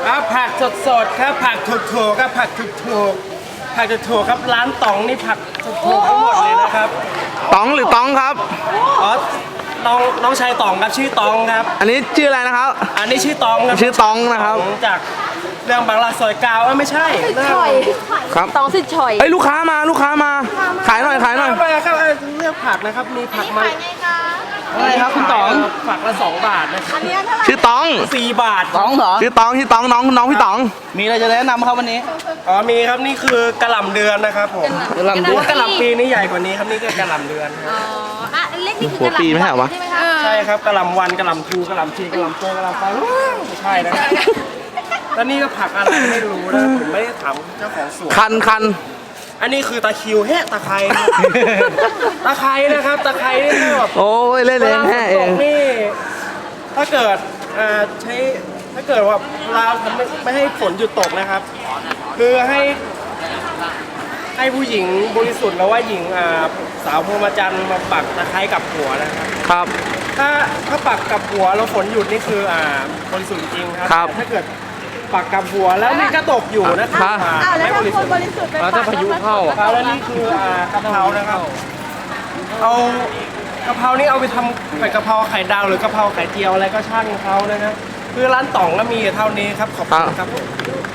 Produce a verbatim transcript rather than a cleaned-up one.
อ่ะผักสดๆครับผักถูกๆครับผักถูกๆผักถูกๆครับร้านต๋องนี่ผักถูกๆทั้งหมดเลยนะครับตองหรือตองครับอ๋อน้องน้องชายต๋องครับชื่อต๋องครับอันนี้ชื่ออะไรนะครับอันนี้ชื่อต๋องครับชื่อตองนะครับต๋องจากเรื่องบางรักซอยเกาวเอ้ยไม่ใช่เรื่องฉ่อยครับตองสิฉ่อยเอ้ยลูกค้ามาลูกค้ามา ขายหน่อยขายหน่อยไปครับเอ้ยเลือกผักนะครับมีผักมาอะไรครับคุณต๋องผักละสองบาทนะครับชื่อตองสี่บาทตองเหรอชื่อตองชื่อตองน้องน้องพี่ตองมีอะไรจะแนะนำครับวันนี้อ๋อมีครับนี่คือกระหล่ำเดือนนะครับผมกระหล่ำเดือนกระหล่ำปีนี่ใหญ่กว่านี้ครับนี่คือกระหล่ำเดือนครับอ๋ออ่ะเล็กนี่คือกระหหัวปีไม่ใช่เหรอวะใช่ไหมคะใช่ครับกระหล่ำวันกระหล่ำทูกระหล่ำทีกระหล่ำโตกระหล่ำฟ้าไม่ใช่นะแล้วนี่ก็ผักอะไรไม่รู้นะผมไม่ได้ถามเจ้าของสวนคันคันอันนี้คือตะคริวแฮะตะไคร้ครับตะไคร้นะครับตะไคร้นี่ถ้าแบบโอ้ยเล่นเวเองลาฝแค่นเอตงกนี่ถ้าเกิดอ่าใช้ถ้าเกิดว่าเราทำไม่ไม่ให้ฝนหยุดตกนะครับ คือให้ให้ผู้หญิงบริสุทธิ์แล้วว่าหญิงอ่าสาวพรหมจรรย์มาปักตะไคร้กับหัวนะครับครับถ้าถ้าปักกับหัวแล้วฝนหยุดนี่คืออ่าบริสุทธิ์จริงครับครับแต่ถ้าเกิดปักกับหัวแล้วนี่ก็ตกอยู่นะครับครับอ่าอ้าวแล้วไม่ถ้าบริคสุนทธิ์บริสุทธิ์ไปแล้วถ้าพายุเข้าอะครับแล้วนี่คืออ่ากะเพรานะครับเอากะเพรานี่เอาไปทำผัดกะเพราไข่ดาวหรือกะเพราไข่เจียวอะไรก็ช่างเขานะครับคือร้านต่องก็มีเท่านี้ครับขอบคุณครับผม